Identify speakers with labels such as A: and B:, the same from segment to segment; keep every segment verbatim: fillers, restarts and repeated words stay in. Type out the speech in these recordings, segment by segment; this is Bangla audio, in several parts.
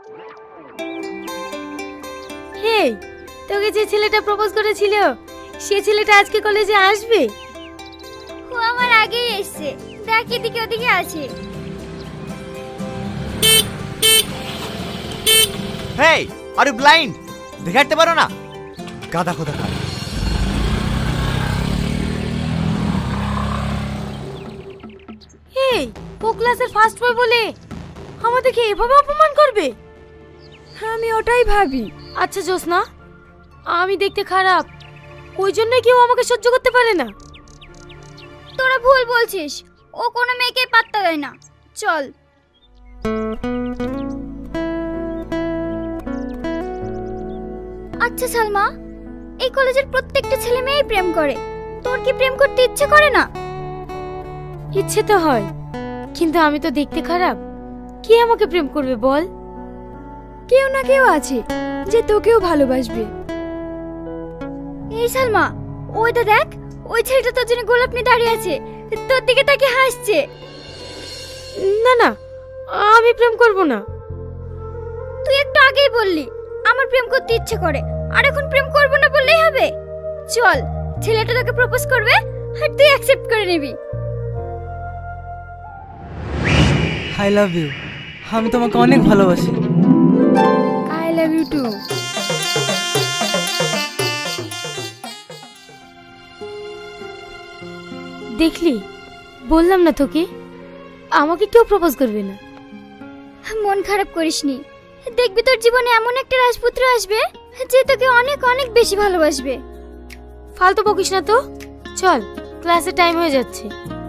A: হে, তোকে যে ছেলেটা প্রপোজ করেছিল সে ছেলেটা আজকে কলেজে আসবে?
B: ও আমার আগেই এসেছে, দেখ এদিকে ওদিকে আছে।
C: Hey, are you blind? দেখাতে পারো না? গাদা খোদা খা।
A: এই, ও ক্লাসের ফার্স্ট বয় বলে আমাদেরকে এভাবে অপমান করবে? আমি ওটাই ভাবি। আচ্ছা জোসনা, আমি দেখতে খারাপ, ওই জন্যই কেউ আমাকে সহ্য করতে পারে না।
B: তোরা ভুল বলছিস, ও কোনো মেয়েকে পাত্তা দেয় না। চল। আচ্ছা সালমা, এই কলেজের প্রত্যেকটা ছেলে মেয়েই প্রেম করে, তোর কি প্রেম করতে ইচ্ছে করে না?
A: ইচ্ছে তো হয়, কিন্তু আমি তো দেখতে খারাপ, কে আমাকে প্রেম করবে বল? কেউ না কেউ আছে যে তোকেও ভালোবাসবে।
B: এই সালমা, ওইটা দেখ, ওই ছেলেটা তোর জন্য গোলাপ নিয়ে দাঁড়িয়ে আছে, তোর দিকে তাকিয়ে হাসছে।
A: না না, আমি প্রেম করব না।
B: তুই একটু আগেই বললি আমার প্রেম করতে ইচ্ছে করে, আর এখন প্রেম করব না বললেই হবে? চল, ছেলেটা তোকে প্রপোজ করবে আর তুই অ্যাকসেপ্ট করে নিবি।
D: I love you. আমি তোমাকে অনেক ভালোবাসি।
A: I love you too. দেখলি, বললাম না তোকে, আমাকে কেউ প্রপোজ করবে না।
B: মন খারাপ করিসনি, দেখবি তোর জীবনে এমন একটা রাজপুত্র আসবে যে তোকে অনেক অনেক বেশি ভালোবাসবে।
A: ফালতু বকিস না তো, চল, ক্লাসের টাইম হয়ে যাচ্ছে।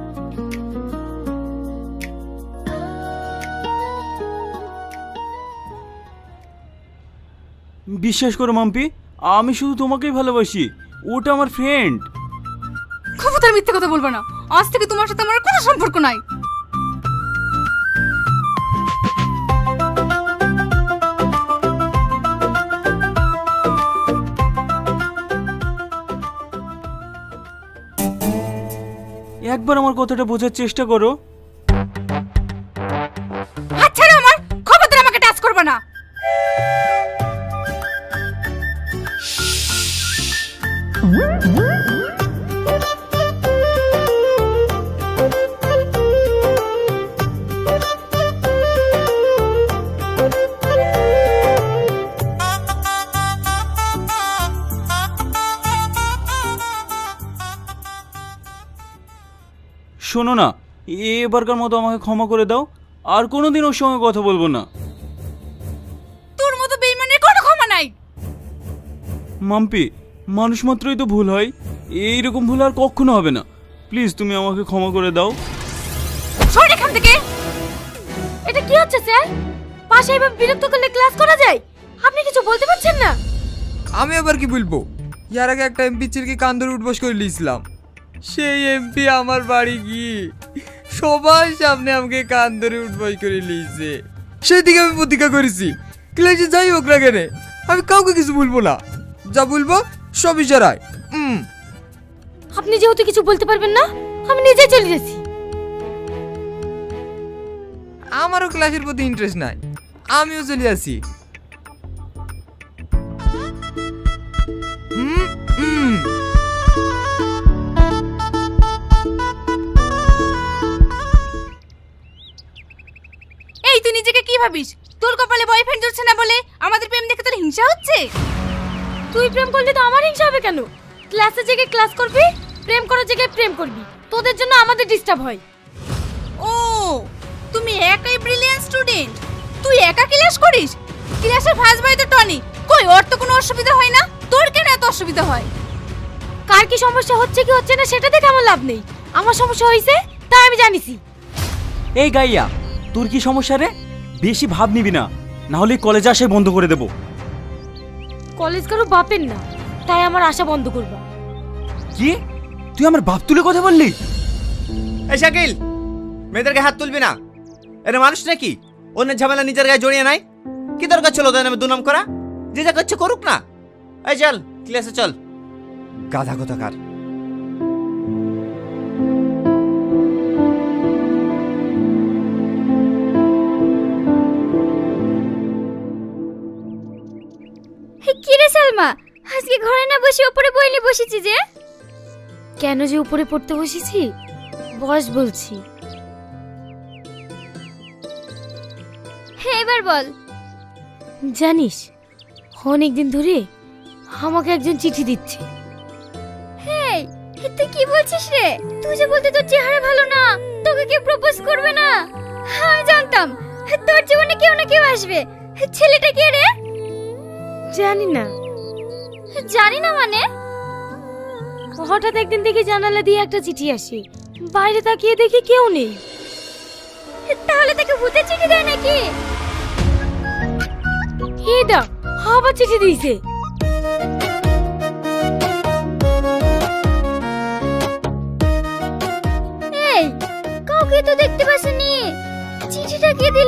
E: বিশ্বাস করো মাম্পি, আমি শুধু তোমাকেই ভালোবাসি, ওটা আমার ফ্রেন্ড।
F: খবরদার মিথ্যে কথা বলবো না, আজ থেকে তোমার সাথে আমার কোনো সম্পর্ক নাই।
E: একবার আমার কথাটা বোঝার চেষ্টা করো।
F: হাত ছাড়ো আমার, খবরদার আমাকে টাচ করবে না।
E: শোনো না, এবারকার মতো আমাকে ক্ষমা করে দাও, আর কোনোদিন ওর সঙ্গে কথা বলবো না।
F: তোর মতো বেইমানের কোনো ক্ষমা নাই।
E: মাম্পি, মানুষ মাত্রই তো ভুল হয়, এইরকম ভুল আর কখনো হবে না। প্লিজ তুমি আমাকে ক্ষমা করে দাও।
F: সর এখান থেকে।
A: এটা কি হচ্ছে স্যার? পাশে এভাবে বিরক্ত করলে ক্লাস করা যায়? আপনি কিছু বলতে পারছেন না?
D: আমি আবার কি বলবো? ইয়ার আগে একটা এমপি চিরকি কান ধরে উঠবস করে নিয়েছিলাম, সেই এমপি আমার বাড়ি গিয়ে সবার সামনে আমাকে কান ধরে উঠবস করে নিয়েছে। সেই দিকে আমি প্রতিজ্ঞা করেছি, ক্লাসে যাই হোক না কেন আমি কাউকে কিছু বলবো না, যা বলবো সব ইশারায়। হুম,
A: আপনি যেহেতু কিছু বলতে পারবেন না, আমি নিজে চলে যাচ্ছি।
D: আমারও ক্লাসের প্রতি ইন্টারেস্ট নাই, আমিও চলে যাচ্ছি। হুম হুম
F: এই তুই নিজেকে কি ভাবিস? তোর কপালে বয়ফ্রেন্ড জুটছে না বলে আমাদের প্রেম দেখে তোর হিংসা হচ্ছে?
A: তুই প্রেম করলে তো আমার হিংসা হবে কেন? ক্লাসের জায়গায় ক্লাস করবি, প্রেম করার জায়গায় প্রেম করবি, তোদের জন্য আমাদের ডিস্টার্ব হয়।
F: ও, তুমি একাই ব্রিলিয়ান্ট স্টুডেন্ট, তুই একা ক্লাস করিস? ক্লাসের ফার্স্ট বয় তো টনি, কই ওর তো কোনো অসুবিধা হয় না, তোর কেন এত অসুবিধা হয়?
A: কার কি সমস্যা হচ্ছে কি হচ্ছে না সেটা দেখে আমার লাভ নেই, আমার সমস্যা হয়েছে তাই আমি জানিছি।
E: এই গাইয়া, তোর কি সমস্যা রে? বেশি ভাব নিবি না, না হলে কলেজে আসে বন্ধ করে দেবো।
A: কলেজ কারো বাপের না, তাই আমার আশা বন্ধ করবা।
E: কি? তুই আমার বাপ তুলে কথা বললি?
C: এই শাকিল, মেয়েদেরকে হাত তুলবি না। এরা মানুষ নাকি অন্যের ঝামেলা নিজের গায়ে জড়িয়ে নাই? কি দরকার ছিল ওদের নামে দুনাম করা? যে যা করছে করুক না। এই চল ক্লাসে চল, গাধা কোথাকার।
B: মা, আজকে ঘরে না বসে উপরে বই নিয়ে বসেছি যে।
A: কেন যে উপরে পড়তে বসেছি বস বলছি।
B: হ্যাঁ এবার বল।
A: জানিস অনেকদিন ধরে আমাকে একজন চিঠি দিচ্ছে।
B: হেই, তুই কি বলছিস রে? তুই যে বলতে তোর চেহারা ভালো না, তোকে কেউ প্রপোজ করবে না। আমি জানতাম তোর জীবনে কেউ না কেউ আসবে। ছেলেটা কে রে?
A: জানি না,
B: জানি না মানে?
A: হঠাৎ একদিন দেখি জানালা দিয়ে একটা চিঠি আসে, বাইরে তাকিয়ে দেখি কেউ নেই।
B: তাহলে তাকে ভূতের চিঠি দেয় নাকি?
A: এটা আবার চিঠি দিয়েছে।
B: এই, কাউকে তো দেখতে পাসনি, চিঠিটা কে দিল?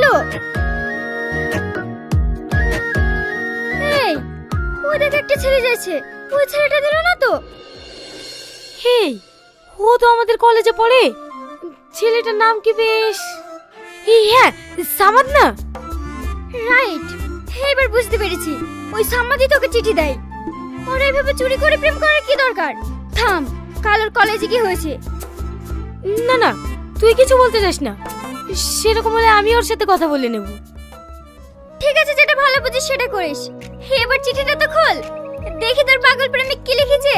B: এই, ওই দেখ একটা ছেলে যাচ্ছে, ওই ছেলেটা দিল না তো?
A: হেই, ও তো আমাদের কলেজে পড়ে। ছেলেটার নাম কি বেশ, এই হ্যাঁ সামাদ না?
B: রাইট, এবার বুঝতে পেরেছি। ওই সাম্মাদি তোকে চিঠি দেয়। ওরা এভাবে চুরি করে প্রেম করার কি দরকার? থাম, কাল ওর কলেজে কি হয়েছে?
A: না না, তুই কিছু বলতে যাস না। সেরকম হলে আমি ওর সাথে কথা বলে নেব।
B: ঠিক আছে, যেটা ভালো বুঝিস সেটা করিস। এবার চিঠিটা তো খোল, দেখি তোর পাগল প্রেমিক কি লিখেছে।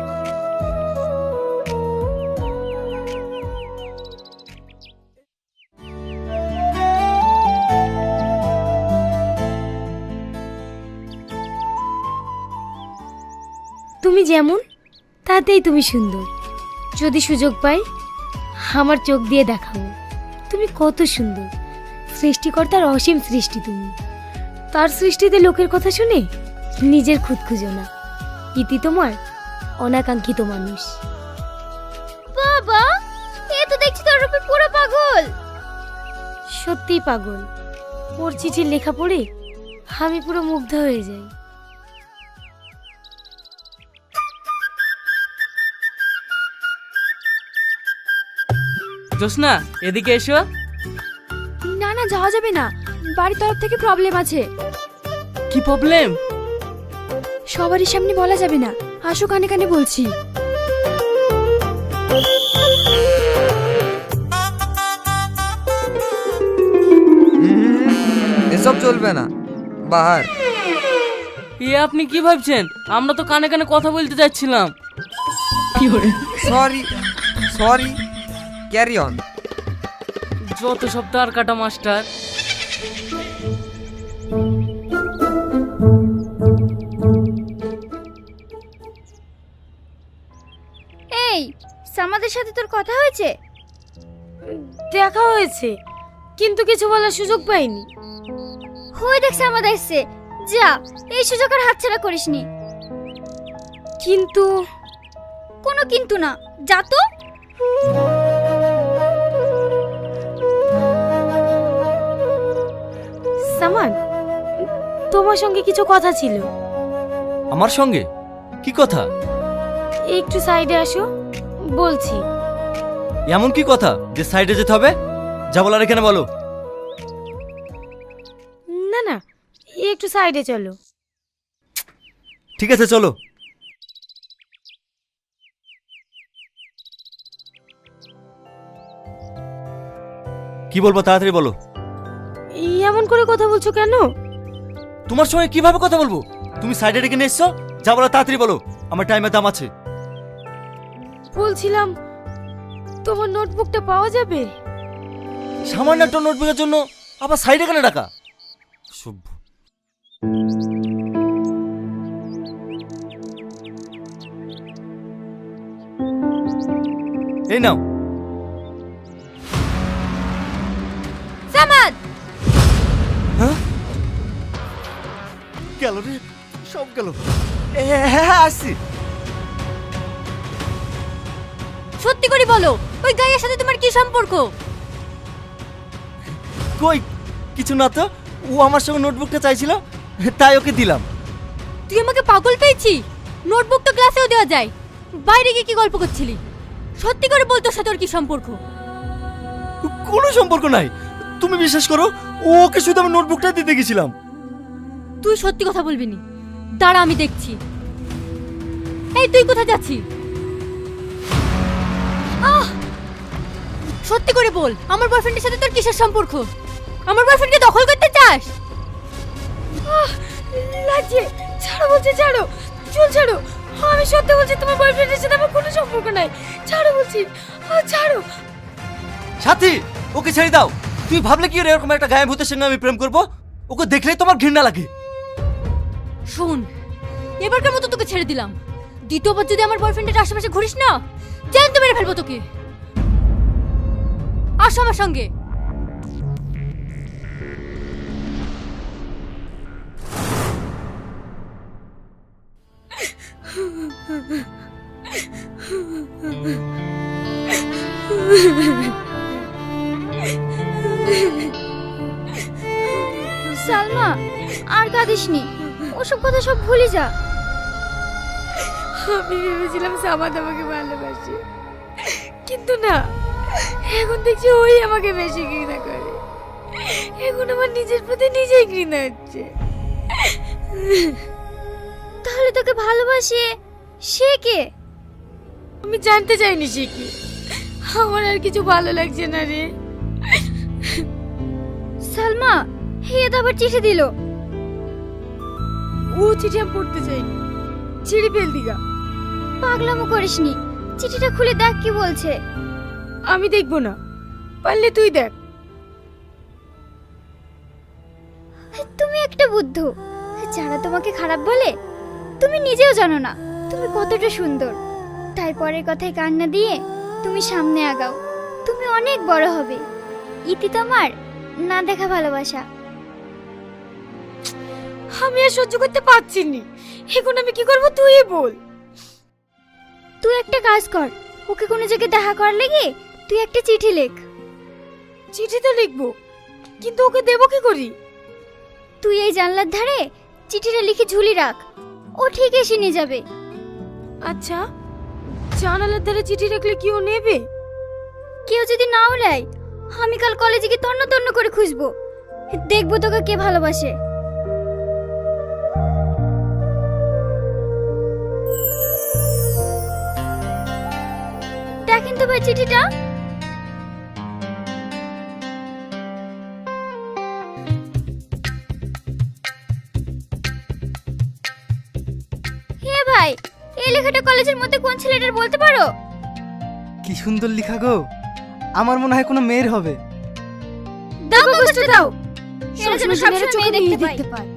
A: তুমি যেমন তাতেই তুমি সুন্দর। যদি সুযোগ পাই আমার চোখ দিয়ে দেখাবো তুমি কত সুন্দর। সৃষ্টিকর্তার অসীম সৃষ্টি তুমি। তার সৃষ্টিতে লোকের কথা শুনে নিজের খুদ খুঁজো না। ইতি তোমার অনাকাঙ্ক্ষিত মানুষ।
B: বাবা, এ তো দেখছি তোর উপর পুরো পাগল।
A: সত্যিই পাগল। ওর চিঠির লেখা পড়ে আমি পুরো মুগ্ধ হয়ে যাই।
G: জোসনা, এদিকে এসো।
A: না না, যাওয়া যাবে না, বাড়ির তরফ থেকে প্রবলেম আছে।
G: কি প্রবলেম?
A: সবারই সামনে বলা যাবে না, আসো কানে কানে বলছি।
D: এসব চলবে না, বাহার।
G: এ আপনি কি ভাবছেন? আমরা তো কানে কানে কথা বলতে যাচ্ছিলাম। কি করে?
D: Sorry sorry, carry on.
G: যত সব তার কাটা মাস্টার।
B: এই, সামাদের সাথে তোর কথা হয়েছে?
A: দেখা হয়েছে, কিন্তু কিছু বলার সুযোগ পাইনি।
B: হয়ে দেখ সামাদ এসছে, যা এই সুযোগ আর হাতছাড়া করিসনি।
A: কিন্তু
B: কোনো কিন্তু না, যা তো।
A: সামান, তোমার সঙ্গে কিছু কথা ছিল।
H: আমার সঙ্গে? কি কথা?
A: একটু সাইডে আসো, বলছি।
H: এমন কি কথা যে সাইডে যেতে হবে? যা বলার এখানে বলো।
A: না না, একটু সাইডে চলো।
H: ঠিক আছে, চলো। কি বলবো, তাড়াতাড়ি বলো।
A: এমন করে কথা বলছো কেন?
H: তোমার সঙ্গে কিভাবে কথা বলবো? তুমি সাইডে ডেকে নিয়ে এসছো, যা বলো তাড়াতাড়ি বলো, আমার টাইমের দাম আছে।
A: বলছিলাম তোমার নোটবুকটা পাওয়া যাবে?
H: সামান্য একটা নোটবুকের জন্য আবার সাইডে কেন ডাকা? সভ্য। এই নাও।
B: সামাদ,
H: হ্যাঁ, গেল রে, সব গেল। হ্যাঁ, আসছি।
F: সত্যি করে বলো, ওই গাইয়ের সাথে তোমার কি সম্পর্ক?
H: কই কিছু না তো, ও আমার সঙ্গে নোটবুকটা চাইছিল, তাই ওকে দিলাম।
F: তুই আমাকে পাগল পেয়েছি? নোটবুক তো ক্লাসেও দেওয়া যায়, বাইরে গিয়ে কি গল্প করছিলি? সত্যি করে বলতো সাথে ওর কি সম্পর্ক?
H: কোনো সম্পর্ক নাই, তুমি বিশ্বাস করো, ও ওকে শুধু আমি নোটবুকটা দিতে গেছিলাম।
F: তুই সত্যি কথা বলবি নি?
A: দাঁড়া, আমি দেখছি। এই তুই কোথায় যাচ্ছিস? আহ, সত্যি করে বল, আমার বয়ফ্রেন্ডের সাথে তোর কিসের সম্পর্ক? আমার বয়ফ্রেন্ডকে দখল করতে চাস? আহ, লাগছে, ছাড়ো বলছি, ছাড়ো, চুল ছাড়ো। আমি সত্যি বলছি, তোমার বয়ফ্রেন্ডের সাথে আমার কোনো সম্পর্ক নাই। ছাড়ো বলছি, আহ, ছাড়ো।
H: সাথী, ওকে ছেড়ে দাও। তুই ভাবলে কি এরকম একটা গায়েব ভূতের সঙ্গে আমি প্রেম করব? ওকে দেখলেই তোমার ঘৃণা লাগে।
A: শোন, এবারকার মতো তোকে ছেড়ে দিলাম। দ্বিতীয়বার যদি আমার বয়ফ্রেন্ডের আশেপাশে ঘুরিস না, জানতে মেরে ফেলবো তোকে। আসো আমার সঙ্গে।
B: সালমা, আর কাঁদিসনি, ওসব কথা সব ভুলে যা।
A: আমি ভেবেছিলাম সামাদ আমাকে ভালোবাসে, কিন্তু না, এখন দেখছি ওই আমাকে বেশি ঘৃণা করে। এখন আমার নিজের প্রতি নিজেই ঘৃণা হচ্ছে।
B: তাহলে তোকে ভালোবাসে সে কে?
A: আমি জানতে চাইনি সে কি। আমার আর কিছু ভালো লাগছে না রে।
B: সালমা, হে তো আবার চিঠি দিল।
A: ও চিঠি আমি পড়তে চাইনি, ছিঁড়ে ফেল দিগা।
B: পাগলামো করিসনি, চিঠিটা খুলে দেখ কি বলছে।
A: আমি দেখবো না, পারলে তুই দেখ।
B: তুমি একটা বুদ্ধ, যারা তোমাকে খারাপ বলে তুমি নিজেও জানো না তুমি কতটা সুন্দর। তাই পরের কথায় কান না দিয়ে তুমি সামনে আগাও, তুমি অনেক বড় হবে। ইতি তোমার না দেখা ভালোবাসা।
A: আমি আর সহ্য করতে পারছি না, এখন আমি কি করবো তুই বল।
B: তুই একটা কাজ কর, ওকে কোনো জায়গায় দেখা করার লেগে তুই একটা চিঠি লেখ।
A: চিঠি তো লিখবো, কিন্তু ওকে দেবো কি করি?
B: তুই এই জানলার ধারে চিঠিটা লিখে ঝুলি রাখ, ও ঠিক এসে নিয়ে যাবে।
A: আচ্ছা, জানালার ধারে চিঠি রাখলে কি ও নেবে?
B: কেউ যদি নাও নেয়, আমি কাল কলেজে গিয়ে তন্ন তন্ন করে খুঁজবো, দেখবো তোকে কে ভালোবাসে। দেখেন তো ভাই চিঠিটা। হে ভাই, এই লেখাটা কলেজের মধ্যে কোন ছেলেটার বলতে পারো?
I: কি সুন্দর লেখা গো, আমার মনে হয় কোনো মেয়ের হবে।
A: দাও কাগজটা দাও,
B: এরা যেন সবসময় মেয়ে দেখতে পায়।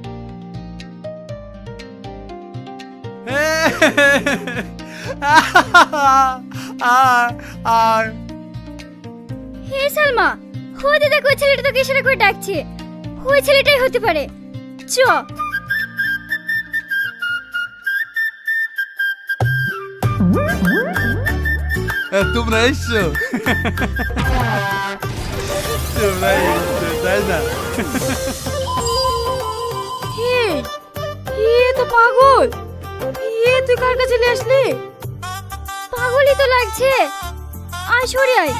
C: আর
B: হে সালমা, হতে দেখো ওই ছেলেটা তোকে ইশারা করে ডাকছে, ওই ছেলেটাই হতে পারে। চ।
C: তোমরা এসছো, তোমরা এসছো তাই না?
A: এ তো পাগল। এ তুই কার কাছে চলে আসলি?
B: পাগলই তো লাগছে, আয় সরে আয়।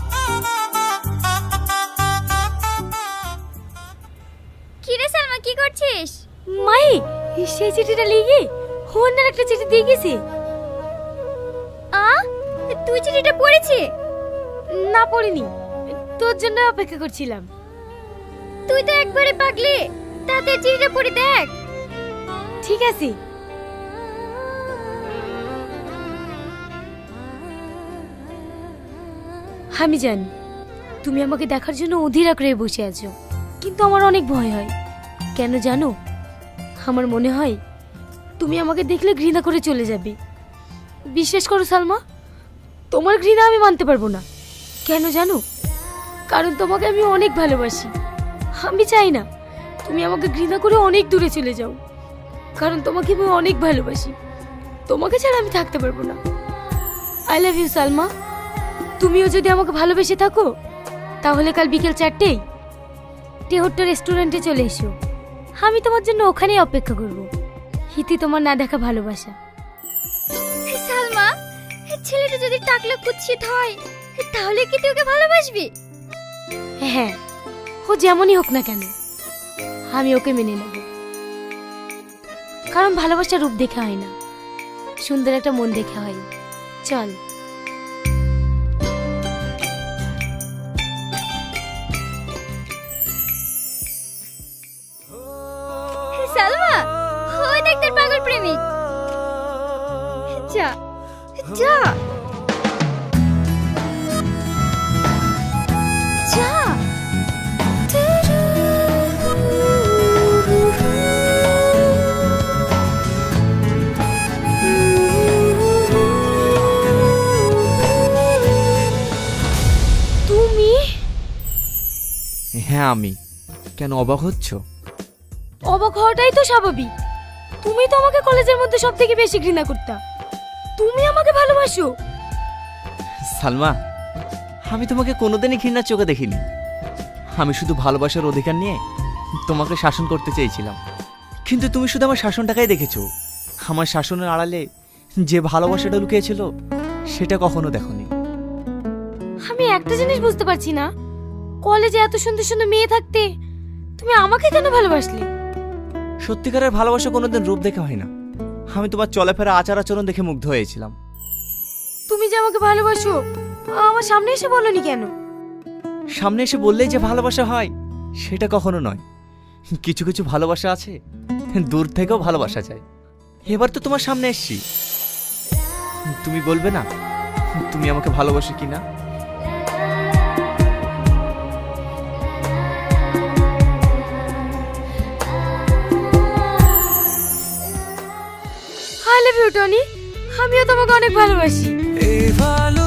B: কি রে সালমা, কি করছিস?
A: মাই, সেই চিঠিটা লিখে অন্যের একটা চিঠি দিয়ে গেছি।
B: আ, তুই চিঠিটা পড়েছি?
A: না পড়িনি, তোর জন্য অপেক্ষা করছিলাম।
B: তুই তো একবারে পাগলি, তাতে চিঠিটা পড়ে দেখ।
A: ঠিক আছে। আমি জানি তুমি আমাকে দেখার জন্য অধীর আগ্রহে বসে আছো, কিন্তু আমার অনেক ভয় হয়। কেন জানো? আমার মনে হয় তুমি আমাকে দেখলে ঘৃণা করে চলে যাবে। বিশ্বাস করো সালমা, তোমার ঘৃণা আমি মানতে পারবো না। কেন জানো? কারণ তোমাকে আমি অনেক ভালোবাসি। আমি চাই না তুমি আমাকে ঘৃণা করে অনেক দূরে চলে যাও, কারণ তোমাকে আমি অনেক ভালোবাসি। তোমাকে ছাড়া আমি থাকতে পারবো না। I love you Salma. তুমিও যদি আমাকে ভালোবেসে থাকো, তাহলে কাল বিকেল চারটেই টেহট্ট রেস্টুরেন্টে চলে এসো। আমি তোমার জন্য ওখানেই অপেক্ষা করব। হিতি তোমার না দেখা ভালোবাসা।
B: সালমা, ছেলেটা যদি টাকলা কুৎসিত হয়, তাহলে কি তুই ওকে ভালোবাসবি?
A: হ্যাঁ, ও যেমনই হোক না কেন, আমি ওকে মেনে নেব। কারণ ভালোবাসার রূপ দেখে হয় না, সুন্দর একটা মন দেখে হয়। চল।
B: সালমা, ওই দেখ তোর পাগল প্রেমিক। যা যা যা।
A: তুমি?
C: হ্যাঁ আমি। কেন অবাক হচ্ছ?
A: অবাক হওয়াটাই তো স্বাভাবিক। তুমি তো আমাকে কলেজের মধ্যে সব থেকে বেশি ঘৃণা করতা, তুমি আমাকে ভালোবাসো?
C: সালমা, আমি তোমাকে কোনোদিনই ঘৃণার চোখে দেখিনি। আমি শুধু ভালোবাসার অধিকার নিয়ে তোমাকে শাসন করতে চেয়েছিলাম, কিন্তু তুমি শুধু আমার শাসনটাকেই দেখেছো। আমার শাসনের আড়ালে যে ভালোবাসাটা লুকিয়েছিল সেটা কখনো দেখোনি।
A: আমি একটা জিনিস বুঝতে পারছি না, কলেজে এত সুন্দর সুন্দর মেয়ে থাকতে তুমি আমাকে কেন ভালোবাসলে?
C: সত্যিকারের ভালোবাসা কোনোদিন রূপ দেখে হয় না। আমি তোমার চলাফেরা আচার আচরণ দেখে মুগ্ধ হয়েছিলাম।
A: তুমি যে আমাকে ভালোবাসো আমার সামনে এসে বলনি কেন?
C: সামনে এসে বললেই যে ভালোবাসা হয় সেটা কখনো নয়। কিছু কিছু ভালোবাসা আছে দূর থেকেও ভালোবাসা যায়। এবার তো তোমার সামনে এসছি, তুমি বলবে না তুমি আমাকে ভালোবাসো কিনা?
A: আই লাভ ইউ টনি, আমিও তোমাকে অনেক ভালোবাসি।